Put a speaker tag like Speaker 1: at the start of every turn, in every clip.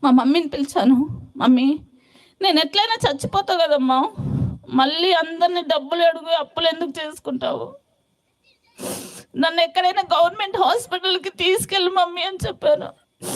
Speaker 1: మా మమ్మీని పిలిచాను. మమ్మీ, నేను ఎట్లయినా చచ్చిపోతా కదమ్మా, మళ్ళీ అందరిని డబ్బులు అడుగు, అప్పులు ఎందుకు చేసుకుంటావు? నన్ను ఎక్కడైనా గవర్నమెంట్ హాస్పిటల్కి తీసుకెళ్ళి మమ్మీ అని చెప్పాను.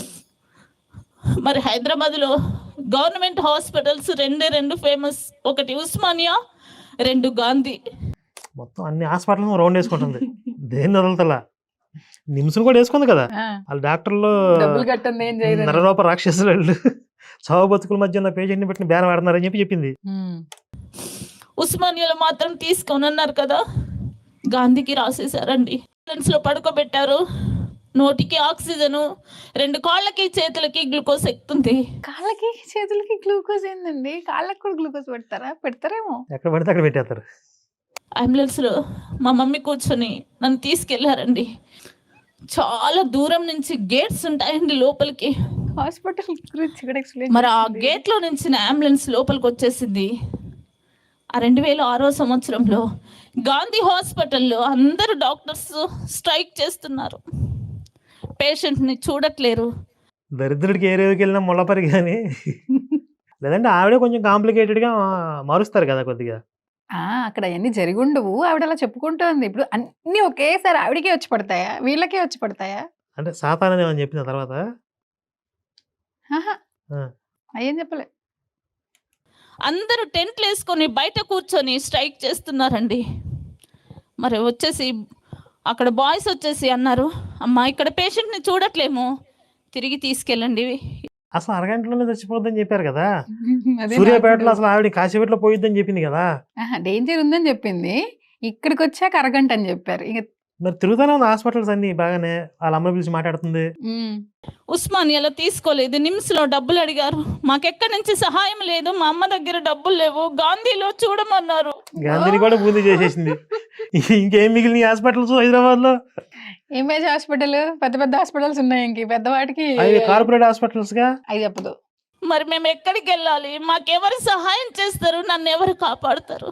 Speaker 1: మరి హైదరాబాద్లో గవర్నమెంట్ హాస్పిటల్స్ రెండు ఫేమస్. ఒకటి ఉస్మానియా, 2 గాంధీ.
Speaker 2: మొత్తం అన్ని హాస్పిటల్ రౌండ్ వేసుకుంటుంది. దేన్ని వదలతలా. నిమ్స్ను కూడా వేసుకుంది కదా. వాళ్ళ డాక్టర్లు నరరూప రాక్షసులు వాళ్ళు చావు బతుకుల మధ్య ఉన్న పేషెంట్ని పెట్టిన బేరం ఆడుతున్నారని చెప్పి చెప్పింది.
Speaker 1: ఉస్మానియాలో మాత్రం తీసుకొని అన్నారు కదా, గాంధీకి రాసేసారండి. లో పడుకోబెట్టారు. నోటికి ఆక్సిజన్, 2 కాళ్ళకి చేతులకి గ్లూకోజ్ ఎక్కుతుంది.
Speaker 3: కాళ్ళకి చేతులకి గ్లూకోజ్ ఏందండి? కాళ్ళకి కూడా గ్లూకోజ్ పెడతారేమో.
Speaker 2: ఎక్కడ పడితే అక్కడ పెట్టేస్తారు.
Speaker 1: అంబులెన్స్లో మా మమ్మీ కూర్చొని నన్ను తీసుకెళ్లారండి. చాలా దూరం నుంచి గేట్స్ ఉంటాయండి లోపలికి.
Speaker 3: హాస్పిటల్ గురించి కూడా ఎక్స్ప్లెయిన్.
Speaker 1: మరి ఆ గేట్లో నుంచి అంబులెన్స్ లోపలికి వచ్చేసింది. ఆ 2006వ సంవత్సరంలో గాంధీ హాస్పిటల్లో అందరు డాక్టర్స్ స్ట్రైక్ చేస్తున్నారు. పేషెంట్ని చూడట్లేరు.
Speaker 2: దరిద్రుడికి ఏ రేవుకి వెళ్ళినా ముళ్ళపరి కానీ లేదంటే ఆవిడే కొంచెం కాంప్లికేటెడ్గా మారుస్తారు కదా కొద్దిగా.
Speaker 3: అక్కడ అవన్నీ జరిగి ఉండవు. ఆవిడ అలా చెప్పుకుంటుంది. ఇప్పుడు అన్ని ఒకేసారి ఆవిడకే వచ్చి పడతాయా, వీళ్ళకే వచ్చి పడతాయా?
Speaker 2: అంటే సాతానని ఏమని చెప్పిన తర్వాత
Speaker 3: అయ్యేం చెప్పలే.
Speaker 1: అందరూ టెంట్లు వేసుకొని బయట కూర్చొని స్ట్రైక్ చేస్తున్నారండి. మరి వచ్చేసి అక్కడ బాయ్స్ వచ్చేసి అన్నారు, అమ్మా ఇక్కడ పేషెంట్ని చూడట్లేము, తిరిగి తీసుకెళ్ళండి.
Speaker 2: అసలు అరగంటలోనే చచ్చిపోద్దని చెప్పారు కదా. సూర్యాపేటలో అసలు ఆవిడ కాశీపేటలో పోయిద్దని చెప్పింది కదా.
Speaker 3: డేంజర్ ఉందని చెప్పింది. ఇక్కడికి వచ్చాక అరగంట అని చెప్పారు. ఇక
Speaker 2: మరి తిరుగుతానే ఉంది హాస్పిటల్స్ అన్ని బాగానే. వాళ్ళ అమ్మ పిలిచి మాట్లాడుతుంది.
Speaker 1: ఉస్మానియాలో తీసుకోలేదు, నిమ్స్లో డబ్బులు అడిగారు, మాకెక్కడి నుంచి సహాయం లేదు, మా అమ్మ దగ్గర డబ్బులు లేవు, గాంధీలో చూడమన్నారు.
Speaker 2: గాంధీని కూడా బూందీ చేసేసింది. ఇంకేం మిగిలిన హాస్పిటల్స్ హైదరాబాద్ లో?
Speaker 3: ఇమేజ్ హాస్పిటల్, పెద్ద పెద్ద హాస్పిటల్స్ ఉన్నాయి. ఇంక పెద్దవాటికి
Speaker 2: కార్పొరేట్ హాస్పిటల్స్ గా
Speaker 3: అవి చెప్పదు.
Speaker 1: మరి మేము ఎక్కడికి వెళ్ళాలి? మాకెవరు సహాయం చేస్తారు? నన్ను ఎవరు కాపాడుతారు?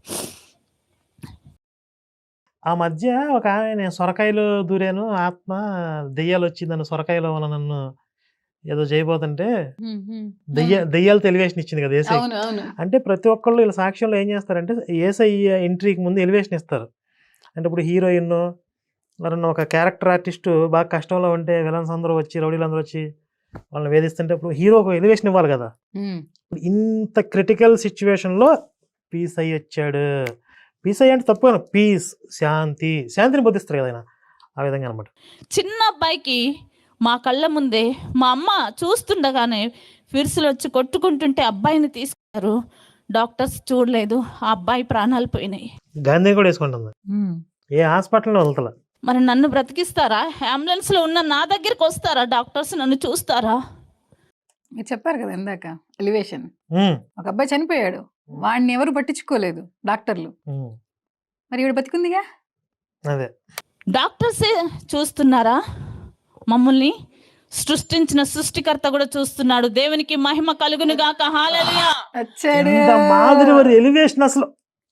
Speaker 2: ఆ మధ్య ఒక నేను సొరకాయలు దూరాను, ఆత్మ దెయ్యాలు వచ్చి నన్ను సొరకాయలో ఉన్న నన్ను ఏదో చేయబోతుంటే దెయ్యాలతో ఎలివేషన్ ఇచ్చింది కదా ఏసై. అంటే ప్రతి ఒక్కళ్ళు వీళ్ళ సాక్ష్యంలో ఏం చేస్తారంటే ఏసై ఎంట్రీకి ముందు ఎలివేషన్ ఇస్తారు. అంటే ఇప్పుడు హీరోయిన్ ఎవరన్నా ఒక క్యారెక్టర్ ఆర్టిస్ట్ బాగా కష్టంలో ఉంటే విలన్స్ అందరూ వచ్చి, రౌడీలు అందరూ వచ్చి వాళ్ళని వేధిస్తుంటే ఇప్పుడు హీరో ఒక ఎలివేషన్ ఇవ్వాలి కదా. ఇంత క్రిటికల్ సిచ్యువేషన్లో పీస్ అయ్యి వచ్చాడు. పీస్ అయ్యి అంటే తప్పు, పీస్ శాంతిని బోధిస్తారు కదా ఆయన. ఆ విధంగా అనమాట.
Speaker 1: చిన్న అబ్బాయికి మా కళ్ళ ముందే మా అమ్మ చూస్తుండగానే ఫిర్సులు వచ్చి కొట్టుకుంటుంటే అబ్బాయిని తీసుకున్నారు. డాక్టర్స్ చూడలేదు, ఆ అబ్బాయి ప్రాణాలు పోయినాయి.
Speaker 2: గాంధీ కూడా వేసుకుంటుంది. ఏ హాస్పిటల్లో వెళ్తా.
Speaker 1: మరి నన్ను బ్రతికిస్తారా? అంబులెన్స్లో ఉన్న నా దగ్గరికి వస్తారా డాక్టర్స్? నన్ను చూస్తారా?
Speaker 3: మీరు చెప్పారు కదా ఇందాక ఎలివేషన్. ఒక అబ్బాయి చనిపోయాడు, వాడిని ఎవరు పట్టించుకోలేదు డాక్టర్లు. మరి ఇవిడ బతికుందిగా.
Speaker 2: అదే
Speaker 1: డాక్టర్సే చూస్తున్నారా మమ్మల్ని? సృష్టించిన సృష్టికర్త కూడా చూస్తున్నాడు. దేవునికి మహిమ కలుగును గాక. హల్లెలూయా.
Speaker 2: ఎలివేషన్ అసలు.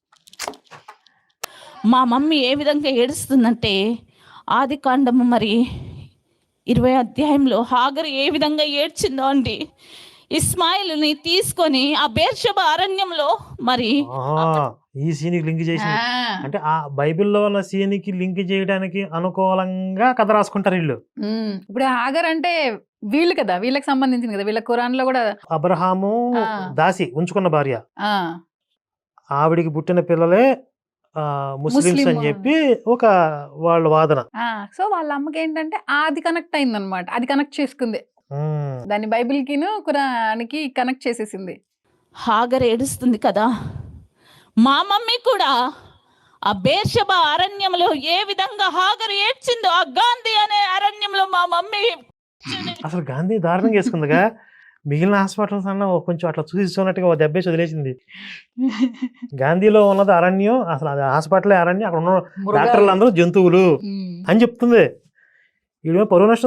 Speaker 1: మా మమ్మీ ఏ విధంగా ఏడుస్తుందంటే ఆదికాండము మరి 20వ అధ్యాయంలో హాగరు ఏ విధంగా ఏడ్చిందో అండి. ఇస్మాయిల్ని తీసుకొని ఆ బేర్షెబ అరణ్యంలో మరి
Speaker 2: ఈ సీన్కి లింక్ చేసి, అంటే ఆ బైబిల్లో ఉన్న సీన్కి లింక్ చేయడానికి అనుకూలంగా కథ రాసుకుంటారు వీళ్ళు.
Speaker 3: ఇప్పుడు హాగర్ అంటే వీళ్ళు కదా, వీళ్ళకి సంబంధించింది కదా. వీళ్ళ ఖురాన్ లో కూడా
Speaker 2: అబ్రహాము దాసి ఉంచుకున్న భార్య, ఆవిడికి పుట్టిన పిల్లలే ముస్లిమ్స్ అని చెప్పి ఒక వాళ్ళ వాదన.
Speaker 3: సో వాళ్ళ అమ్మకి ఏంటంటే అది కనెక్ట్ అయింది అనమాట. అది కనెక్ట్ చేసుకుంది, దాన్ని బైబిల్ కిను ఖురానికి కనెక్ట్ చేసేసింది.
Speaker 1: హాగర్ ఏడుస్తుంది కదా. మా మమ్మీ కూడా ఆ బేర్షెబ అరణ్యంలో ఏ విధంగా హాగర్ ఏడ్చిందో ఆ గాంధీ అనే అరణ్యంలో మా మమ్మీ.
Speaker 2: అసలు గాంధీ దారుణంగా వేసుకుందిగా. మిగిలిన హాస్పిటల్స్ అన్న కొంచెం అట్లా చూసినట్టుగా ఒక దెబ్బేసి వదిలేసింది. గాంధీలో ఉన్నది అరణ్యం, అసలు అది హాస్పిటల్ అరణ్యం, అక్కడ ఉన్న డాక్టర్లు అందరూ జంతువులు అని చెప్తుంది. వీళ్ళు పరువు నష్టం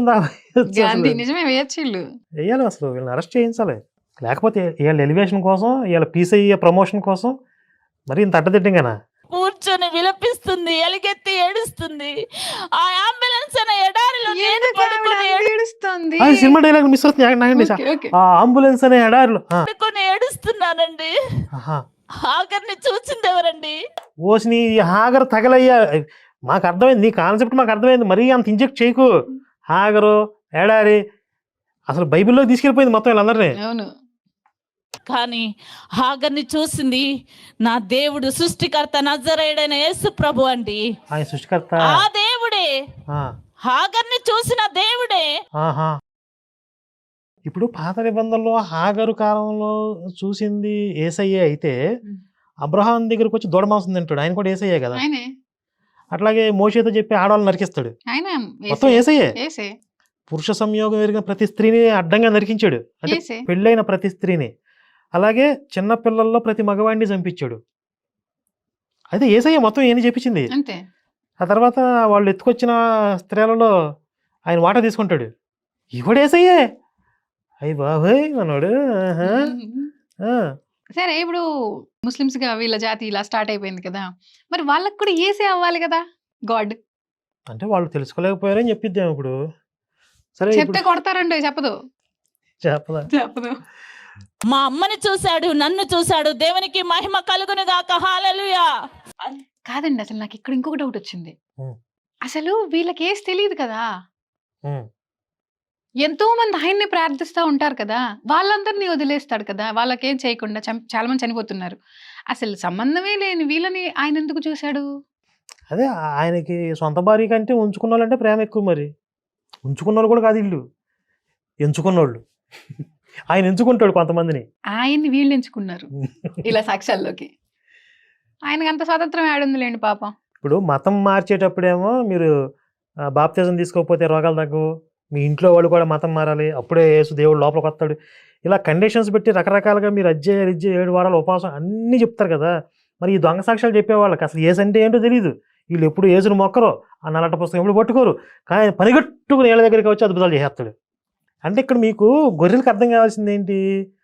Speaker 2: వేయాలి. అసలు వీళ్ళని అరెస్ట్ చేయించాలి. లేకపోతే వీళ్ళ ఎలివేషన్ కోసం, వీళ్ళ పీస్ అయ్యే ప్రమోషన్ కోసం మరి ఇంత అడ్డదిడ్డంగానా.
Speaker 1: కూర్చొని విలపిస్తుంది, ఎలుగెత్తి ఏడుస్తుంది. ఆ అంబులెన్స్ అనే ఎడారిలో నేను
Speaker 3: ఎందుకు ఆవిడ
Speaker 1: పడుకొని
Speaker 3: అంత ఏడుస్తోంది?
Speaker 2: అది సినిమా డైలాగ్ మిస్ అవుతుంది ఆగండి.
Speaker 3: Okay, okay.
Speaker 2: ఆ అంబులెన్స్ అనే ఎడారిలో
Speaker 1: పడుకొని ఏడుస్తున్నానండి.
Speaker 2: ఆహా.
Speaker 1: హాగర్ని చూసింది ఎవరండి?
Speaker 2: ఓసిని హాగర్ తగలయ్యా. మాకు అర్థమైంది, నీ కాన్సెప్ట్ మాకు అర్థమైంది. మరీ అంత ఇంజెక్ట్ చేయకు. హాగరు ఎడారి అసలు బైబిల్లో తీసుకెళ్ళిపోయింది మొత్తం వీళ్ళందరినీ.
Speaker 3: అవును.
Speaker 1: కానీ హాగర్ని చూసింది నా దేవుడు, సృష్టికర్త, నజరేయుడైన యేసు ప్రభు అండి.
Speaker 2: ఆయన సృష్టికర్త.
Speaker 1: ఆ దేవుడే,
Speaker 2: ఆ,
Speaker 1: హాగర్ని చూసిన దేవుడే.
Speaker 2: ఆహా. ఇప్పుడు పాత నిబంధనలో హాగరు కాలంలో చూసింది ఏసయ్యే అయితే అబ్రహాం దగ్గరకు వచ్చి దూడ మాంసం తింటాడు, ఆయన కూడా ఏసయ్యే కదా.
Speaker 3: ఆయనే
Speaker 2: అట్లాగే మోషేతో చెప్పి ఆడవాళ్ళు నరికిస్తాడు,
Speaker 3: ఆయన
Speaker 2: మొత్తం ఏసయ్యే.
Speaker 3: ఏసే
Speaker 2: పురుష సంయోగం ఎరిగిన ప్రతి స్త్రీని అడ్డంగా నరికించాడు, అంటే
Speaker 3: ఏసే.
Speaker 2: పెళ్ళైన ప్రతి స్త్రీని. అలాగే చిన్న పిల్లల్లో ప్రతి మగవాడిని చంపించాడు. అయితే ఏసయ్య మొత్తం ఏం చెప్పించింది.
Speaker 3: అంతే.
Speaker 2: ఆ తర్వాత వాళ్ళు ఎత్తుకొచ్చిన స్త్రీలలో ఆయన వాటా తీసుకుంటాడు. ఇవాడు ఏసయ్యే. అయ్యి బాబోయ్ మనోడు. ఆహా. ఆ.
Speaker 3: సరే, ఇప్పుడు ముస్లిమ్స్ గా వీళ్ళ జాతి ఇలా స్టార్ట్ అయిపోయింది కదా, మరి వాళ్ళకి కూడా ఏసే అవ్వాలి కదా గాడ్.
Speaker 2: అంటే వాళ్ళు తెలుసుకోలేకపోయారని చెప్పిద్దాం ఇప్పుడు. సరే
Speaker 3: చెప్తే కొడతారండి, చెప్పదు.
Speaker 2: చెప్పదా.
Speaker 3: చెప్పదు.
Speaker 1: మా అమ్మని చూశాడు, నన్ను చూశాడు, దేవునికి మహిమ కలుగును గాక. హల్లెలూయా.
Speaker 3: కాదండి, అసలు నాకు ఇక్కడ ఇంకొక డౌట్ వచ్చింది.
Speaker 2: ఉం.
Speaker 3: అసలు వీళ్ళకి ఏసి తెలియదు కదా,
Speaker 2: ఉం.
Speaker 3: ఎంతో మంది ఆయన్ని ప్రార్థిస్తూ ఉంటారు కదా, వాళ్ళందరినీ వదిలేస్తాడు కదా, వాళ్ళకేం చేయకుండా చాలా మంది చనిపోతున్నారు. అసలు సంబంధమే లేని వీళ్ళని ఆయన ఎందుకు చూశాడు?
Speaker 2: అదే ఆయనకి సొంత భార్య కంటే ఉంచుకున్న వాళ్ళంటే ప్రేమ ఎక్కువ. మరి ఉంచుకున్నోళ్ళు కూడా కాదు, ఇల్లు ఎంచుకున్నోళ్ళు. ఆయన ఎంచుకుంటాడు కొంతమందిని.
Speaker 3: ఆయన్ని వీళ్ళు ఎంచుకున్నారు ఇలా సాక్ష్యాల్లోకి. ఆయనకి అంత స్వాతంత్రం ఏడుందిలేండి పాపం.
Speaker 2: ఇప్పుడు మతం మార్చేటప్పుడేమో మీరు బాప్తిజం తీసుకోకపోతే రోగాలు తగ్గవు, మీ ఇంట్లో వాళ్ళు కూడా మతం మారాలి, అప్పుడే యేసు దేవుడు లోపలికి వస్తాడు. ఇలా కండిషన్స్ పెట్టి రకరకాలుగా మీరు 7 వారాలు ఉపవాసం అన్నీ చెప్తారు కదా. మరి ఈ దొంగ సాక్ష్యాలు చెప్పేవాళ్ళకి అసలు ఏసు అంటే ఏంటో తెలియదు. వీళ్ళు ఎప్పుడు ఏసును మొక్కరో, ఆ నల్లట పుస్తకం ఎప్పుడు పట్టుకోరు, కానీ పనిగట్టుకుని ఏళ్ళ దగ్గరికి వచ్చి అద్భుతాలు చేసేస్తాడు. అంటే ఇక్కడ మీకు గొర్రెలకు అర్థం కావాల్సింది ఏంటి,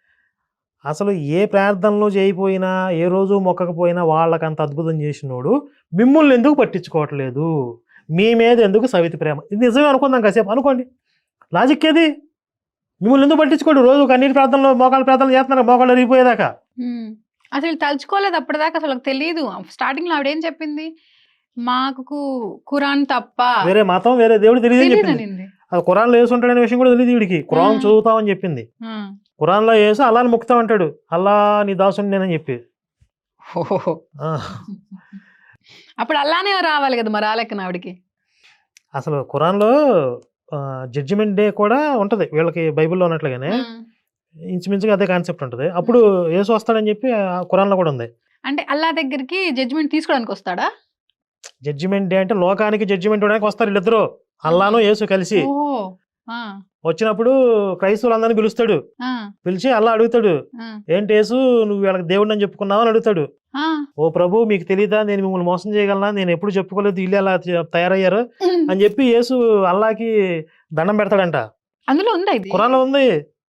Speaker 2: అసలు ఏ ప్రార్థనలో చేయకపోయినా, ఏ రోజు మొక్కకపోయినా వాళ్ళకంత అద్భుతం చేసినోడు మిమ్మల్ని ఎందుకు పట్టించుకోవట్లేదు, మీ మీద ఎందుకు సవితి ప్రేమ. ఇది నిజమే అనుకుందాం కాసేపు, అనుకోండి. లాజిక్ ఏది, మిమ్మల్ని ఎందుకు పట్టించుకోడు. రోజు కన్నీటి ప్రార్థనలో మోకాళ్ళ ప్రార్థనలు చేస్తున్నారు, మోకాళ్ళు రిగిపోయేదాకా.
Speaker 3: అసలు తలుచుకోలేదు అప్పటిదాకా, అసలు తెలియదు. స్టార్టింగ్ లో ఆవిడేం చెప్పింది, మాకు ఖురాన్ తప్ప
Speaker 2: వేరే మతం వేరే దేవుడు తెలియదు చెప్పింది.
Speaker 3: అనింది.
Speaker 2: అది ఖురాన్లో వేసి ఉంటాడనే విషయం కూడా తెలియదు వీడికి. ఖురాన్ చదువుతామని చెప్పింది, ఖురాన్లో వేసి అల్లాని ముక్తామంటాడు, అల్లా నీ దాసుని నేనని చెప్పి.
Speaker 3: అప్పుడు అల్లానే రావాలి కదా, మరి రాలేక ఆవిడకి.
Speaker 2: అసలు ఖురాన్లో జడ్జిమెంట్ డే కూడా ఉంటది వీళ్ళకి, బైబిల్లో ఉన్నట్లుగానే ఇంచుమించుగా అదే కాన్సెప్ట్ ఉంటుంది. అప్పుడు యేసు వస్తాడని చెప్పి ఖురాన్లో కూడా ఉంది.
Speaker 3: అంటే అల్లా దగ్గరికి జడ్జిమెంట్ తీసుకోవడానికి వస్తాడా?
Speaker 2: జడ్జిమెంట్ డే అంటే లోకానికి జడ్జిమెంట్ ఇవ్వడానికి వస్తారు వీళ్ళిద్దరు, అల్లాను యేసు కలిసి. వచ్చినప్పుడు క్రైస్తవులందరినీ పిలుస్తాడు, పిలిచి అల్లా అడుగుతాడు, ఏంటి యేసు నువ్వు వీళ్ళకి దేవుడిని అని చెప్పుకున్నావు అని అడుగుతాడు. ఓ ప్రభు మీకు తెలీదా, నేను మిమ్మల్ని మోసం చేయగలనా, నేను ఎప్పుడు చెప్పుకోలేదు, వీళ్ళు అలా తయారయ్యారు అని చెప్పి యేసు అల్లాకి దండం పెడతాడంట.
Speaker 3: అందులో ఉందా ఇది?
Speaker 2: ఖురాన్లో ఉంది.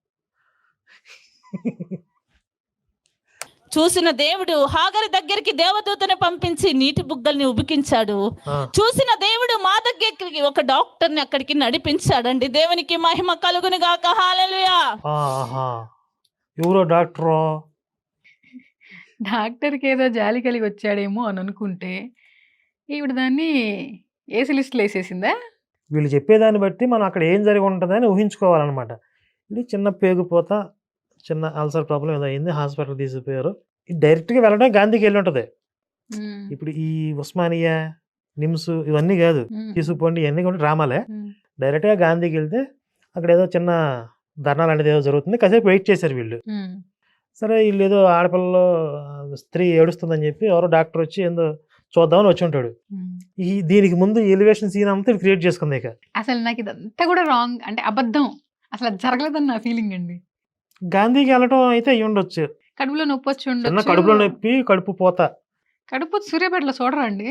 Speaker 1: చూసిన దేవుడు హాగరు దగ్గరికి దేవదూతని పంపించి నీటి బుగ్గల్ని ఉబికించాడు. చూసిన దేవుడు మా దగ్గరికి ఒక డాక్టర్ని అక్కడికి నడిపించాడండి. దేవునికి మహిమ కలుగును గాక. హల్లెలూయా.
Speaker 2: ఎవరో డాక్టరో,
Speaker 3: డాక్టర్కి ఏదో జాలి కలిగి వచ్చాడేమో అని అనుకుంటే ఈవిడ దాన్ని ఏసీ లిస్టులో వేసేసిందా?
Speaker 2: వీళ్ళు చెప్పేదాన్ని బట్టి మనం అక్కడ ఏం జరిగి ఉంటుందని ఊహించుకోవాలన్నమాట. ఇది చిన్న పేగుపోత, చిన్న అల్సర్ ప్రాబ్లం ఏదో అయింది, హాస్పిటల్ తీసుకుపోయారు. ఇది డైరెక్ట్గా వెళ్ళడం గాంధీకి వెళ్ళి ఉంటుంది. ఇప్పుడు ఈ ఉస్మానియా, నిమ్స్ ఇవన్నీ కాదు, తీసుకుపోండి ఇవన్నీ కూడా డ్రామాలే. డైరెక్ట్గా గాంధీకి వెళ్తే అక్కడ ఏదో చిన్న ధర్నా లాంటిది ఏదో జరుగుతుంది, కాసేపు వెయిట్ చేశారు వీళ్ళు. సరే వీళ్ళు ఏదో ఆడపిల్లలో స్త్రీ ఏడుస్తుందని చెప్పి ఎవరో డాక్టర్ వచ్చి ఏందో చూద్దామని వచ్చి ఉంటాడు. దీనికి ముందు ఎలివేషన్ సీన్ అంతా క్రియేట్ చేసుకుంది. ఇక
Speaker 3: అసలు నాకు ఇదంతా కూడా రాంగ్, అంటే అబద్ధం, అసలు అది జరగలేదని నా ఫీలింగ్ అండి.
Speaker 2: గాంధీకి వెళ్ళటం అయితే అయ్యి ఉండొచ్చు,
Speaker 3: కడుపులో నొప్పి వచ్చి
Speaker 2: చిన్న
Speaker 3: ఉండొచ్చు.
Speaker 2: కడుపులో నొప్పి, కడుపు పోత.
Speaker 3: కడుపు సూర్యాపేటలో చూడరా అండి?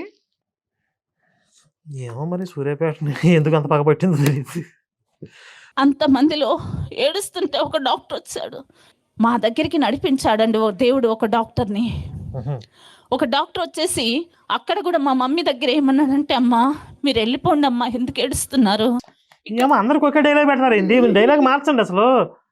Speaker 2: ఏమో మరి సూర్యాపేట ఎందుకు అంత పగబట్టిందో తెలియదు.
Speaker 1: అంతమందిలో ఏడుస్తుంటే ఒక డాక్టర్ వచ్చాడు, మా దగ్గరికి నడిపించాడండి ఓ దేవుడు ఒక డాక్టర్ని. ఒక డాక్టర్ వచ్చేసి అక్కడ కూడా మా మమ్మీ దగ్గర ఏమన్నాడంటే, అమ్మా మీరు వెళ్ళిపోండి అమ్మా, ఎందుకు ఏడుస్తున్నారు?
Speaker 2: ఏమో అందరికి ఒకే డైలాగ్ పెడతారు ఏంటి? డైలాగ్ మార్చండి అసలు.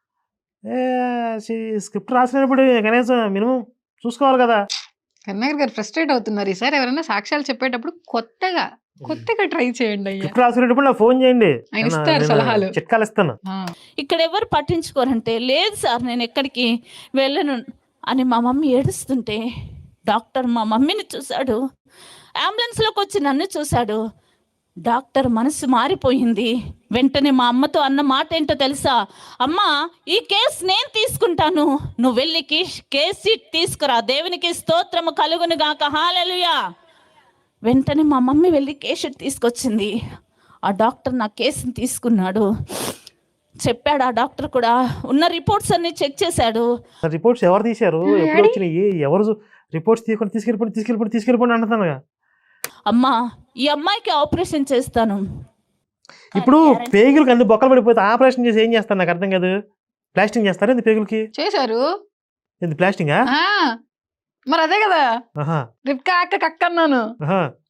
Speaker 2: స్క్రిప్ట్ రాసినప్పుడు కనీసం మినిమం చూసుకోవాలి కదా.
Speaker 3: కన్నయ్య గారు ఫ్రస్ట్రేట్ అవుతున్నారు. ఈసారి ఎవరైనా సాక్ష్యాలు చెప్పేటప్పుడు కొత్తగా ట్రై చేయండి అయ్యా.
Speaker 2: స్క్రిప్ట్ రాసినప్పుడు నాకు ఫోన్ చేయండి,
Speaker 3: ఆయన ఇస్తారు
Speaker 2: నేను
Speaker 3: సలహాలు.
Speaker 2: చిట్కాలు ఇస్తాను.
Speaker 1: ఇక్కడ ఎవరు పట్టించుకోరంటే, లేదు సార్ నేను ఎక్కడికి వెళ్ళను అని మా మమ్మీ ఏడుస్తుంటే డాక్టర్ మా మమ్మీని చూశాడు, అంబులెన్స్లోకి వచ్చి నన్ను చూశాడు. డాక్టర్ మనసు మారిపోయింది. వెంటనే మా అమ్మతో అన్న మాట ఏంటో తెలుసా? అమ్మా ఈ కేసు నేను తీసుకుంటాను, నువ్వు వెళ్ళి కేసు షీట్ తీసుకురా, దేవునికి స్తోత్రము కలుగును గాక, హల్లెలూయా. వెంటనే మా మమ్మీ వెళ్ళి కేసు షీట్ తీసుకొచ్చింది. ఆ డాక్టర్ నా కేసుని తీసుకున్నాడు. చెప్పాడు ఆ డాక్టర్ కూడా, ఉన్న రిపోర్ట్స్ అన్ని చెక్ చేశాడు.
Speaker 2: రిపోర్ట్స్ ఎవరు తీశారు, ఎప్పుడు వచ్చినాయి, ఎవరు రిపోర్ట్స్ తీసుకెళ్ళిపోండి అంటున్నాను.
Speaker 3: అమ్మా ఈ అమ్మాయికి ఆపరేషన్ చేస్తాను.
Speaker 2: ఇప్పుడు పేగులకి అన్ని బొక్కలు పడిపోతే ఆపరేషన్ చేసి ఏం చేస్తాను నాకు అర్థం కాదు. ప్లాస్టింగ్ చేస్తారా ఇది పేగులకి?
Speaker 3: చేశారు.
Speaker 2: ఇది ప్లాస్టింగా?
Speaker 3: మరి అదే కదా రిప్కా అక్క అన్నాను.